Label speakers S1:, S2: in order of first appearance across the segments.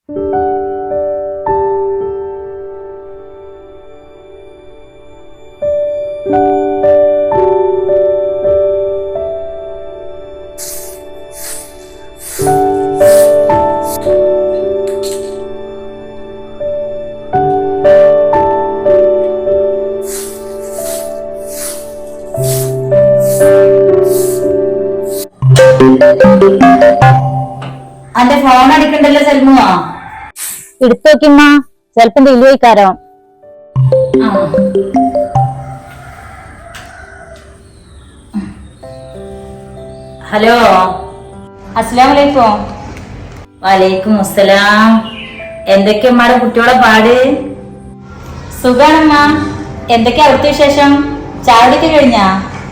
S1: അന്റെ ഫോൺ അടിക്കണ്ടല്ലോ സൽമുവാ.
S2: എടുത്തു നോക്കിമ്മ, ചെലപ്പം വലിയക്കാരോ.
S1: ഹലോ,
S2: അസ്സലാമു അലൈക്കും.
S1: വലൈക്കും അസ്സലാം. എന്തൊക്കെയാ ഉമ്മാടെ കുട്ടിയോടെ പാട്?
S2: സുഖാണമ്മ. എന്തൊക്കെയാ അവിടുത്തെ വിശേഷം? ചായടിയൊക്കെ കഴിഞ്ഞാ?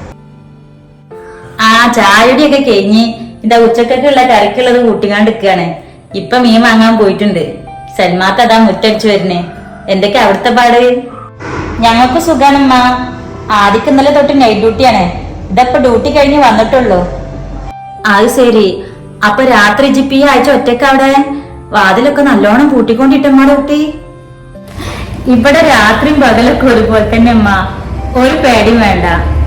S1: ആ, ചായടിയൊക്കെ കഴിഞ്ഞ് ഇതാ ഉച്ചക്കൊക്കെയുള്ള കറിക്കുള്ളത് കൂട്ടിക്കാണ്ടിരിക്കാണ്. ഇപ്പൊ മീൻ വാങ്ങാൻ പോയിട്ടുണ്ട്. സൽമാത്ത് അതാ മുറ്റടിച്ചു വരുന്നേ. എന്തൊക്കെയാ അവിടുത്തെ പാട്?
S2: ഞങ്ങൾക്ക് സുഖാണമ്മ. ആദ്യക്ക് ഇന്നലെ തൊട്ട് നൈറ്റ് ഡ്യൂട്ടിയാണ്. ഇതപ്പൊ ഡ്യൂട്ടി കഴിഞ്ഞ് വന്നിട്ടുള്ളൂ.
S1: അത് ശരി. അപ്പൊ രാത്രി ജിപ്പി ആഴ്ച ഒറ്റക്ക് അവിടെ വാതിലൊക്കെ നല്ലോണം പൂട്ടിക്കൊണ്ടിട്ടമ്മാടെ കുട്ടി. ഇവിടെ രാത്രിയും പകലൊക്കെ ഒരുപോലെ തന്നെ അമ്മ, ഒരു പേടിയും വേണ്ട.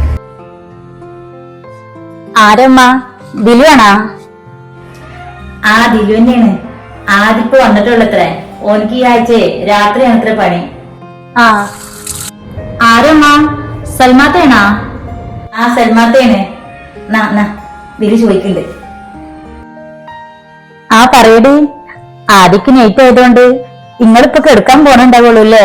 S2: ആരമ്മ? ദിലുവാണാ?
S1: ആ, ദിലു തന്നെയാണ്. ആദ്യപ്പോ വന്നിട്ടുള്ളത്രേ. ഓനിക്ക് ഈ ആഴ്ച രാത്രിയാണ് അത്ര പണി.
S2: ആ,
S1: ആരമ്മ? സൽമാത്തേണാ? ആ, സൽമാത്തേണ്. ദിലു ചോദിക്കണ്ട്.
S2: ആ പറയടി. ആദ്യക്ക് നൈറ്റ് ആയതുകൊണ്ട് നിങ്ങളിപ്പൊ കെടുക്കാൻ പോണുണ്ടാവുള്ളൂ അല്ലേ?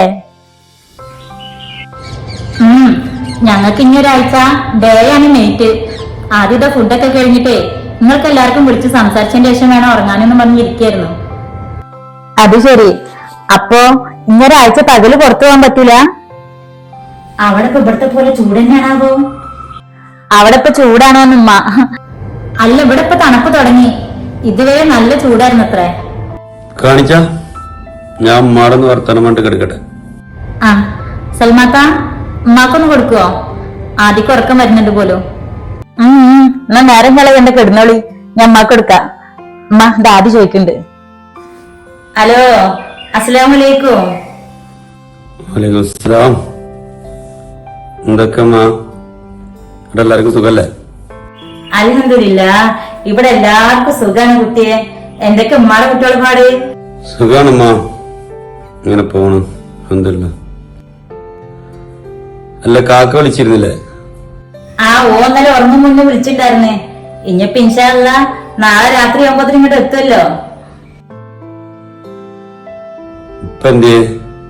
S1: ഞങ്ങൾക്ക് ഇനി ഒരാഴ്ച ഡേ ആണ് നൈറ്റ്. ആദ്യത്തെ ഫുഡൊക്കെ കഴിഞ്ഞിട്ടേ നിങ്ങൾക്ക് എല്ലാവർക്കും വിളിച്ച് സംസാരിച്ചതിന് ശേഷം വേണം ഉറങ്ങാനെന്ന് പറഞ്ഞിരിക്കായിരുന്നു.
S2: അത് ശരി. അപ്പൊ ഇന്നൊരാഴ്ച പകല് പുറത്തു പോകാൻ പറ്റൂല?
S1: അവിടെ ഇപ്പൊ ഇവിടത്തെ പോലെ ചൂട് തന്നെയാണാവോ?
S2: അവിടെ ഇപ്പൊ ചൂടാണോന്നുമ്മ?
S1: അല്ല, ഇവിടെ ഇപ്പൊ തണുപ്പ് തുടങ്ങി. ഇതുവരെ നല്ല ചൂടായിരുന്നു അത്രേ.
S3: കാണിച്ച ഞാൻ ഉമ്മാടൊന്ന് വർത്തമാനം കൊണ്ട് കിടക്കട്ടെ.
S1: ആ, സൽമാത്ത ഉമ്മാക്കൊന്ന് കൊടുക്കുവോ? ആദ്യം ഉറക്കം വരുന്നുണ്ട് പോലും.
S2: എന്നാ നേരം കളയണ്ട, കിടന്നോളി. ഞാൻ ഉമ്മാക്ക് എടുക്കാം. ഉമ്മ ദാദി ചോദിക്കുന്നുണ്ട്.
S1: ഹലോ, അസ്സലാമലൈക്കും.
S3: വലൈക്കും അസ്സലാം. എന്തൊക്കെ അമ്മ, ഇവിടെ എല്ലാവർക്കും സുഖല്ലേ?
S1: അൽഹംദുലില്ലാ, ഇവിടെ എല്ലാവർക്കും സുഖാണ് കുട്ടിയെ. എന്തൊക്കെ ഉമ്മാടെ കുട്ടികളെ പാട്?
S3: സുഖാണമ്മ, ഇങ്ങനെ പോണു അൽഹംദുലില്ലാ. അല്ല, കാക്ക വിളിച്ചിരുന്നില്ലേ?
S1: ആ, ഓന്നലെ ഉറങ്ങും മുന്നേ വിളിച്ചിട്ടുണ്ടായിരുന്നേ. ഇനിയിപ്പോ ഇൻഷാ അല്ലാ നാളെ രാത്രി ആകുമ്പോഴത്തേനും ഇങ്ങോട്ട് എത്തുമല്ലോ.
S3: ഇപ്പൊ എന്തിയേ?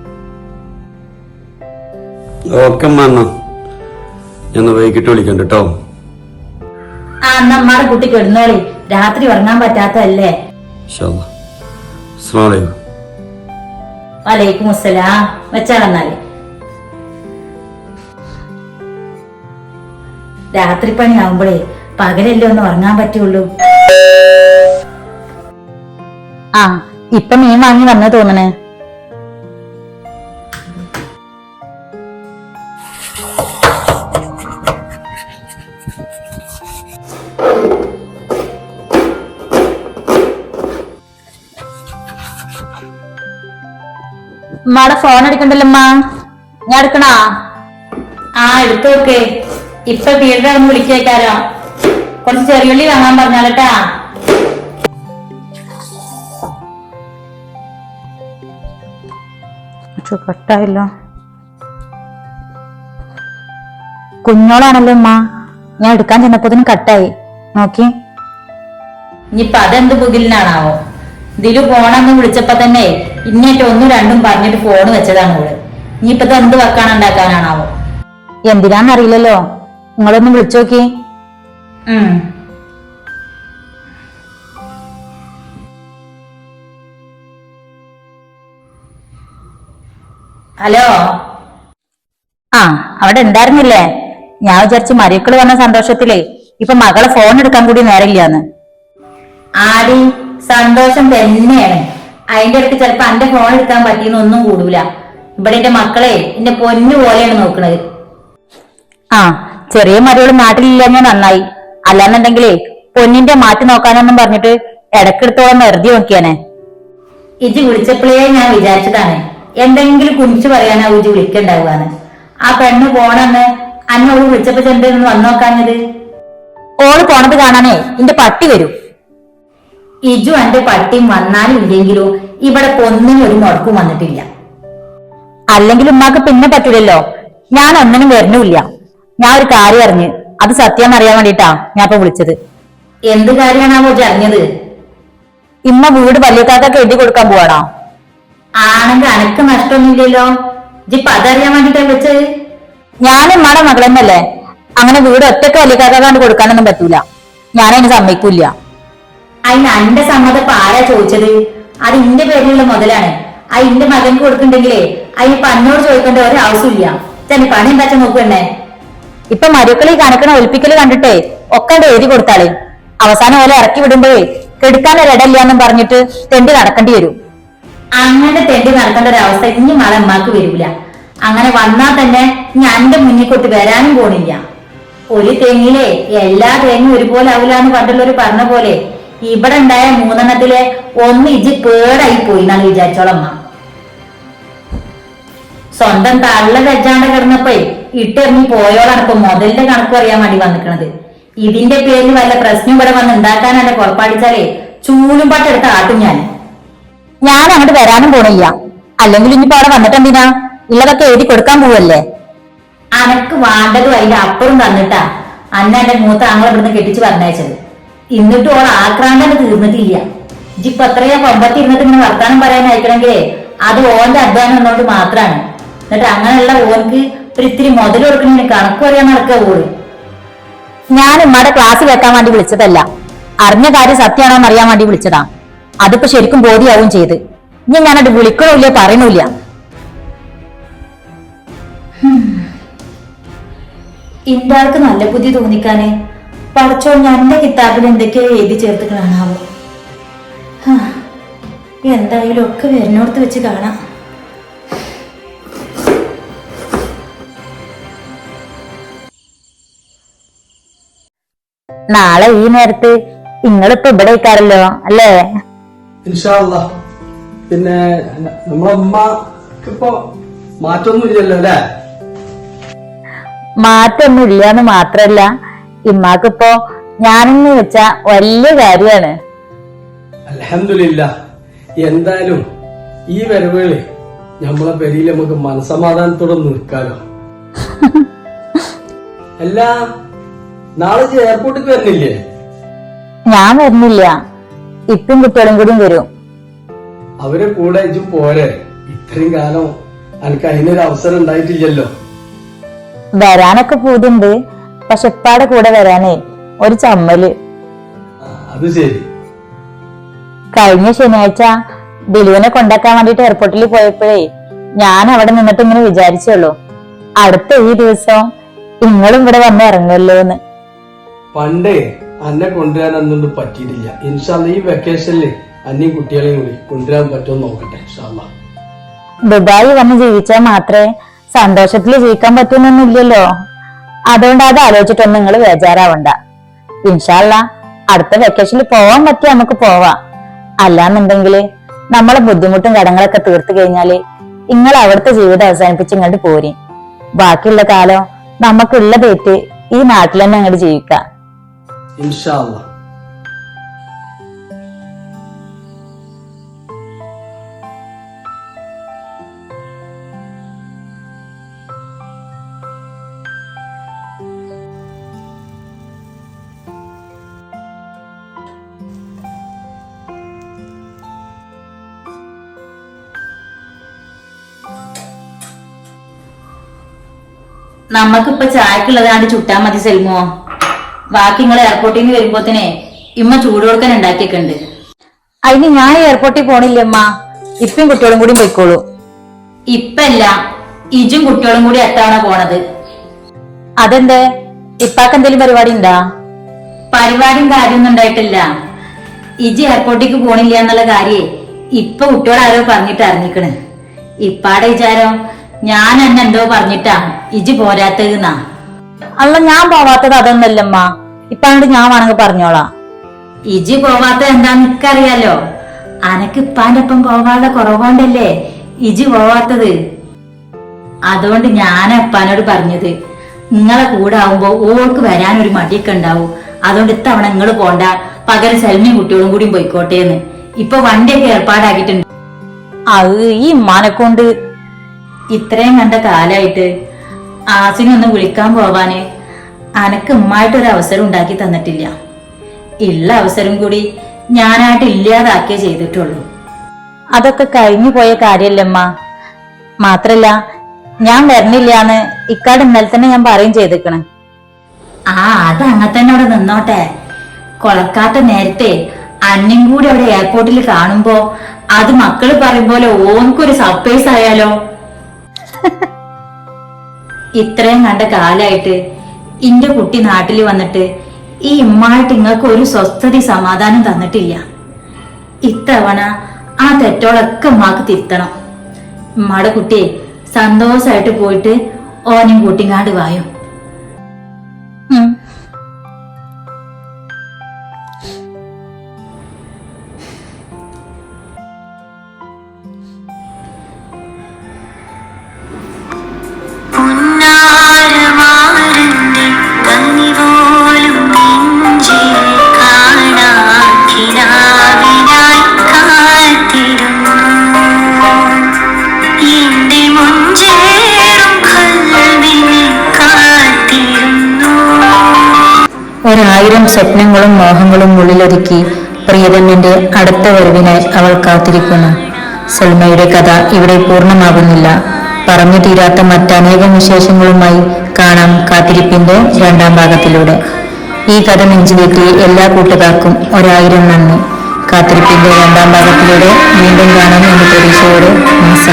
S3: ഓക്കെ അമ്മ, എന്നാ ഞാൻ വൈകിട്ട് വിളിക്കണ്ട കേട്ടോ.
S1: ആ, എന്നാ അമ്മാടെ കുട്ടി കിടന്നോളി. രാത്രി ഉറങ്ങാൻ പറ്റാത്തതല്ലേ.
S3: ഇൻഷാ അല്ലാ. അസ്സലാമു അലൈക്കും.
S1: വലൈക്കും അസ്സലാം. വെച്ചാളെന്നാല്. രാത്രി പണി ആവുമ്പോഴേ പകലല്ലേ ഒന്ന് ഉറങ്ങാൻ പറ്റുള്ളൂ.
S2: ആ, ഇപ്പൊ മീൻ വാങ്ങി വന്നു തോന്നണേ. ഉമ്മാടെ ഫോൺ എടുക്കണ്ടല്ലോ. ഞാൻ എടുക്കണാ?
S1: ആ, എടുത്തോക്കെ. ഇപ്പൊ വീടിനൊന്ന് വിളിച്ചേക്കാരോ. കുറച്ച് ചെറിയുള്ളി വാങ്ങാൻ പറഞ്ഞാലട്ടാ.
S2: കട്ടായില്ലോ. കുഞ്ഞോളാണല്ലോ ഉമ്മ. ഞാൻ എടുക്കാൻ ചെന്നപ്പോ കട്ടായി. നോക്കി.
S1: ഇനിയിപ്പൊ അതെന്ത് ബുഗിലിനാണാവോ? ഇതില് ഫോണെന്ന് വിളിച്ചപ്പോ തന്നെ ഇന്നേറ്റ് ഒന്നും രണ്ടും പറഞ്ഞിട്ട് ഫോണ് വെച്ചതാണ് ഇവിടെ. ഇനിയിപ്പത് എന്ത് വെക്കാനുണ്ടാക്കാനാണാവോ?
S2: എന്തിനാന്നറിയില്ലല്ലോ. നിങ്ങളൊന്ന് വിളിച്ചു നോക്കി.
S1: ഹലോ.
S2: ആ, അവിടെ ഉണ്ടായിരുന്നില്ലേ? ഞാൻ വിചാരിച്ചു മരിക്കള് വന്ന സന്തോഷത്തിലേ ഇപ്പൊ മകളെ ഫോൺ എടുക്കാൻ കൂടി നേരമില്ലാന്ന്.
S1: ആടി, സന്തോഷം തന്നെയാണ്. അതിന്റെ അടുത്ത് ചിലപ്പോ എന്റെ ഫോൺ എടുക്കാൻ പറ്റിയെന്ന് ഒന്നും കൂടൂല. ഇവിടെ എന്റെ മക്കളെ എന്റെ പൊന്നു പോലെയാണ് നോക്കണത്.
S2: ആ, ചെറിയ മരുകൾ നാട്ടിലില്ലെന്ന് നന്നായി. അല്ലാന്നുണ്ടെങ്കിലേ പൊന്നിന്റെ മാറ്റി നോക്കാനൊന്നും പറഞ്ഞിട്ട് ഇടക്കെടുത്തോളം എറുതി നോക്കിയാനെ.
S1: ഇജ് വിളിച്ചപ്പോഴേ ഞാൻ വിചാരിച്ചതാണ് എന്തെങ്കിലും കുറിച്ച് പറയാനാ ഇജ് വിളിക്കണ്ടാവുകയാണ്. ആ പെണ്ണ് പോണെന്ന് അന്നോട് വിളിച്ചപ്പോ ചെണ്ടെന്ന് വന്നു നോക്കാഞ്ഞത്.
S2: ഓള് പോണത് കാണാനേ എന്റെ പട്ടി വരും.
S1: ഇജു എന്റെ പട്ടിയും വന്നാലും ഇല്ലെങ്കിലും ഇവിടെ ഒന്നിനും ഒരു മുടക്കും വന്നിട്ടില്ല.
S2: അല്ലെങ്കിൽ ഉമ്മാക്ക് പിന്നെ പറ്റൂലല്ലോ. ഞാൻ ഒന്നിനും വരണമില്ല. ഞാൻ ഒരു കാര്യം അറിഞ്ഞ് അത് സത്യം അറിയാൻ വേണ്ടിട്ടാ ഞാൻ ഇപ്പൊ വിളിച്ചത്.
S1: എന്ത് കാര്യമാണാവോ ഇജ് അറിഞ്ഞത്?
S2: ഇമ്മ വീട് വലിയക്കാക്കൊക്കെ എഴുതി കൊടുക്കാൻ പോവാണോ?
S1: ആണെങ്കിൽ അനക്ക് നഷ്ടമൊന്നുമില്ലല്ലോ. ഇജിപ്പ അതറിയാൻ വേണ്ടിട്ടാ വിളിച്ചത്.
S2: ഞാൻ ഉമ്മാടെ മകളെന്നല്ലേ. അങ്ങനെ വീട് ഒറ്റക്ക് വലിയക്കാക്കാണ്ട് കൊടുക്കാനൊന്നും പറ്റൂല. ഞാനതിന് സമ്മതിക്കൂല.
S1: അതിന് എന്റെ സമ്മതം ഇപ്പൊ ആരാ ചോദിച്ചത്? അത് ഇന്റെ പേരിലുള്ള മുതലാണ്. അത് ഇന്റെ മകൻക്ക് കൊടുക്കണ്ടെങ്കിലേ അതിനിപ്പൊ അന്നോട് ചോദിക്കേണ്ട ഒരു ആവശ്യമില്ല. തന്നെ പണി എന്താ നോക്കണ്ടേ?
S2: ഇപ്പൊ മരുക്കളി കണക്കണ ഒലിപ്പിക്കല് കണ്ടിട്ടേ ഒക്കെ എഴുതി കൊടുത്താളേ. അവസാനം പോലെ ഇറക്കി വിടുമ്പോഴേ കെടുക്കാനൊരിടയില്ലാന്നും പറഞ്ഞിട്ട് തെണ്ടി നടക്കേണ്ടി വരും.
S1: അങ്ങനെ തെണ്ടി നടക്കേണ്ട ഒരു അവസ്ഥ ഇനി മകളെ അമ്മക്ക് വരൂല. അങ്ങനെ വന്നാൽ തന്നെ ഞാൻ എന്റെ മുന്നിൽ കൊട്ട് വരാനും പോണില്ല. ഒരു തെങ്ങിലെ എല്ലാ തേങ്ങയും ഒരുപോലെ ആവില്ലാന്ന് പണ്ടുള്ളവര് പറഞ്ഞ പോലെ ഇവിടെ ഉണ്ടായ 3 ഒന്ന് ഇജ് പേടായി പോയി എന്നാണ് വിചാരിച്ചോളമ്മ. സ്വന്തം തള്ള വെച്ചാണ്ട് കിടന്നപ്പോ ഇട്ടെറിഞ്ഞ് പോയോളാണ് ഇപ്പൊ മുതലിന്റെ കണക്ക് അറിയാൻ വേണ്ടി വന്നിക്കണത്. ഇതിന്റെ പേരിൽ വല്ല പ്രശ്നം ഇവിടെ വന്ന് ഉണ്ടാക്കാനല്ല പുറപ്പാടിച്ചാലേ ചൂലും പാട്ടെടുത്ത് ആട്ടും
S2: ഞാൻ അങ്ങോട്ട് വരാനും പോണില്ല. അല്ലെങ്കിൽ ഇനിയിപ്പോ അവിടെ വന്നിട്ടെന്തിനാ? ഉള്ളതൊക്കെ എഴുതി കൊടുക്കാൻ പോവല്ലേ.
S1: അനക്ക് വേണ്ടതും അതിന്റെ അപ്പുറം തന്നിട്ടാ അന്ന എന്റെ മൂത്ത ആങ്ങളെ ഇവിടുന്ന് കെട്ടിച്ച് പറഞ്ഞയച്ചത്. എന്നിട്ടും ഓൾ ആക്രാന്തം തീർന്നിട്ടില്ല. ഇജിപ്പൊ എത്രയാ കൊമ്പത്തിരുന്നിട്ട് ഇങ്ങനെ വർത്താനം പറയാൻ അയക്കണമെങ്കിലേ അത് ഓന്റെ അധ്വാനം എന്നോണ്ട് മാത്രാണ്. എന്നിട്ട് അങ്ങനെയുള്ള ഓർക്ക് ഒരു ഇത്തിരി മുതൽ കൊടുക്കണേന് കണക്ക് പറയാൻ നടക്കുക ഓള്.
S2: ഞാൻ ഉമ്മയുടെ ക്ലാസ് വെക്കാൻ വേണ്ടി വിളിച്ചതല്ല. അറിഞ്ഞ കാര്യം സത്യമാണോ എന്ന് അറിയാൻ വേണ്ടി വിളിച്ചതാ. അതിപ്പോ ശരിക്കും ബോധ്യാവും ചെയ്ത്. ഇനി ഞാനത് വിളിക്കണില്ല പറയണില്ല.
S1: ഇന്റെ ആൾക്ക് നല്ല ബുദ്ധി തോന്നിക്കാന് പഠിച്ചോ ഞാൻ എന്റെ കിതാബിൽ എന്തൊക്കെയോ എഴുതി ചേർത്തുകളാണാവോ. എന്തായാലും ഒക്കെ വരുന്നോടത്ത് വെച്ച് കാണാം.
S2: നാളെ ഈ നേരത്ത് നിങ്ങളിപ്പോ ഇവിടെ ഇരിക്കാറല്ലോ അല്ലേ?
S3: ഇൻഷാ അല്ലാഹ്. പിന്നെ നമ്മളെ ഉമ്മക്കിപ്പോ മാറ്റൊന്നും ഇല്ലല്ലോ അല്ലേ?
S2: മാറ്റൊന്നും ഇല്ലാന്ന് മാത്രല്ല ഇമ്മാക്കിപ്പോ ഞാനെന്ന് വെച്ചാ വലിയ കാര്യാണ്.
S3: അൽഹംദുലില്ലാ. എന്തായാലും ഈ വരവുകള് നമ്മളെ പെരിയിൽ നമുക്ക് മനസമാധാനത്തോടെ നിൽക്കാലോ. അല്ല, നാളെ എയർപോർട്ടിൽ വരുന്നില്ലേ?
S2: ഞാൻ വരുന്നില്ല. ഇപ്പം കുട്ടികളും കൂടിയും വരും.
S3: അവരെ കൂടെ ഇജും പോരെ. ഇത്രയും കാലം എനിക്ക് അതിനൊരു അവസരം ഉണ്ടായിട്ടില്ലല്ലോ.
S2: വരാനൊക്കെ പൂതിണ്ട്. പക്ഷെ ഇപ്പാടെ കൂടെ വരാനേ ഒരു ചമ്മല്.
S3: അത് ശരി.
S2: കഴിഞ്ഞ ശനിയാഴ്ച ദിലുവിനെ കൊണ്ടാക്കാൻ വേണ്ടിട്ട് എയർപോർട്ടിൽ പോയപ്പോഴേ ഞാൻ അവിടെ നിന്നിട്ട് ഇങ്ങനെ വിചാരിച്ചുള്ളൂ, അടുത്ത ഈ ദിവസം നിങ്ങളും ഇവിടെ വന്ന് ഇറങ്ങുമല്ലോ എന്ന്.
S3: പണ്ടേ അന്നെ കൊണ്ടുവരാൻ അന്നൊന്നും പറ്റിയിട്ടില്ല. ഇൻഷാല്ല ഈ വെക്കേഷനില് അന്നയും കുട്ടികളെയും കൂടി കൊണ്ടുവരാൻ പറ്റുമോ നോക്കട്ടെ. ഇൻഷാല്ല
S2: ദുബായി വന്ന് ജീവിച്ചാൽ മാത്രമേ സന്തോഷത്തിൽ ജീവിക്കാൻ പറ്റുന്നൊന്നുമില്ലല്ലോ. അതുകൊണ്ട് അത് ആലോചിച്ചിട്ടൊന്നും നിങ്ങൾ ബേജാറാവണ്ട. ഇൻഷാല്ല അടുത്ത വെക്കേഷനിൽ പോവാൻ പറ്റിയ നമുക്ക് പോവാം. അല്ലാന്നുണ്ടെങ്കില് നമ്മളെ ബുദ്ധിമുട്ടും കടങ്ങളൊക്കെ തീർത്തു കഴിഞ്ഞാല് നിങ്ങൾ അവിടുത്തെ ജീവിതം അവസാനിപ്പിച്ച് ഇങ്ങോട്ട് പോരി. ബാക്കിയുള്ള കാലം നമുക്കുള്ള തെറ്റ് ഈ നാട്ടിൽ തന്നെ അങ്ങോട്ട് ജീവിക്കാം.
S3: ഇൻഷാല്ല.
S1: നമ്മക്കിപ്പൊ ചായക്കുള്ളതാണ്ട് ചുട്ടാ മതി സെൽമോ. ബാക്കി നിങ്ങൾ എയർപോർട്ടിൽ നിന്ന് വരുമ്പോത്തനെ ഇമ്മ ചൂട് കൊടുക്കാൻ ഉണ്ടാക്കിയൊക്കെണ്ട്.
S2: അതിന് ഞാൻ എയർപോർട്ടിൽ പോണില്ല അമ്മ. ഇപ്പം കുട്ടികളും കൂടി പോയിക്കോളൂ.
S1: ഇപ്പല്ല, ഇജും കുട്ടികളും കൂടി എത്താണ് പോണത്.
S2: അതെന്തേ? ഇപ്പാക്ക് എന്തെങ്കിലും പരിപാടി ഉണ്ടാ?
S1: പരിപാടിയും കാര്യമൊന്നും ഉണ്ടായിട്ടില്ല. ഇജ് എയർപോർട്ടിലേക്ക് പോണില്ല എന്നുള്ള കാര്യേ ഇപ്പൊ കുട്ടിയോട് ആരോ പറഞ്ഞിട്ട് അറിഞ്ഞിക്കണ്. ഇപ്പാടെ വിചാരം ഞാൻ എന്നെ എന്തോ പറഞ്ഞിട്ടാ ഇജ് പോരാത്തതെന്നാ.
S2: അല്ല, ഞാൻ പോവാത്തത് അതൊന്നല്ലമ്മ. ഇപ്പാണ്ട് ഞാൻ വേണമെങ്കിൽ പറഞ്ഞോളാം.
S1: ഇജ് പോവാത്തത് എന്താന്ന് എനിക്കറിയാലോ. അനക്ക് ഇപ്പാന്റെ ഒപ്പം പോവാതെ കുറവുകൊണ്ടല്ലേ ഇജി പോവാത്തത്. അതുകൊണ്ട് ഞാൻ അപ്പാനോട് പറഞ്ഞത് നിങ്ങളെ കൂടെ ആവുമ്പോ ഓൾക്ക് വരാനൊരു മടിയൊക്കെ ഉണ്ടാവും. അതുകൊണ്ട് ഇത്തവണ നിങ്ങൾ പോണ്ട, പകരം സെൽമിയും കുട്ടികളും കൂടിയും പോയിക്കോട്ടേന്ന്. ഇപ്പൊ വണ്ടിയൊക്കെ ഏർപ്പാടാക്കിയിട്ടുണ്ട്.
S2: അത് ഈ ഉമ്മാനെ കൊണ്ട്
S1: ഇത്രയും കണ്ട കാലായിട്ട് ആസിനൊന്ന് വിളിക്കാൻ പോവാന് അനക്ക് ഉമ്മായിട്ടൊരു അവസരം ഉണ്ടാക്കി തന്നിട്ടില്ല. ഉള്ള അവസരം കൂടി ഞാനായിട്ട് ഇല്ലാതാക്കിയേ ചെയ്തിട്ടുള്ളൂ.
S2: അതൊക്കെ കഴിഞ്ഞു പോയ കാര്യല്ലമ്മ. മാത്രല്ല ഞാൻ വരണില്ലാന്ന് ഇക്കാട് ഇന്നലെ തന്നെ ഞാൻ പറയും ചെയ്തിക്കണ്.
S1: അത് അങ്ങനെ തന്നെ അവിടെ നിന്നോട്ടെ. കൊളക്കാത്ത നേരത്തെ അന്നും കൂടി അവിടെ എയർപോർട്ടിൽ കാണുമ്പോ അത് മക്കള് പറയും പോലെ ഓൻക്കൊരു സർപ്രൈസ് ആയാലോ. ഇത്രയും കണ്ട കാലായിട്ട് ഇന്റെ കുട്ടി നാട്ടിൽ വന്നിട്ട് ഈ ഉമ്മായിട്ട് ഇങ്ങക്ക് ഒരു സ്വസ്ഥത സമാധാനം തന്നിട്ടില്ല. ഇത്തവണ ആ തെറ്റോളൊക്കെ ഉമ്മാക്ക് തിരുത്തണം. ഉമ്മാടെ കുട്ടിയെ സന്തോഷായിട്ട് പോയിട്ട് ഓനും കൂട്ടിങ്ങാണ്ട് വായോ.
S2: ഒരായിരം സ്വപ്നങ്ങളും മോഹങ്ങളും ഉള്ളിലൊതുക്കി പ്രിയതമന്റെ അടുത്ത വരവിനായി അവൾ കാത്തിരിക്കുന്നു. സൽമയുടെ കഥ ഇവിടെ പൂർണ്ണമാകുന്നില്ല. പറഞ്ഞു തീരാത്ത മറ്റനേകം വിശേഷങ്ങളുമായി കാണാം കാത്തിരിപ്പിന്റെ രണ്ടാം ഭാഗത്തിലൂടെ. ഈ കഥ നെഞ്ചിലേറ്റി എല്ലാ കൂട്ടുകാർക്കും 1000 നന്ദി. കാത്തിരിപ്പിന്റെ രണ്ടാം ഭാഗത്തിലൂടെ വീണ്ടും കാണാം എന്ന പ്രതീക്ഷയോടെ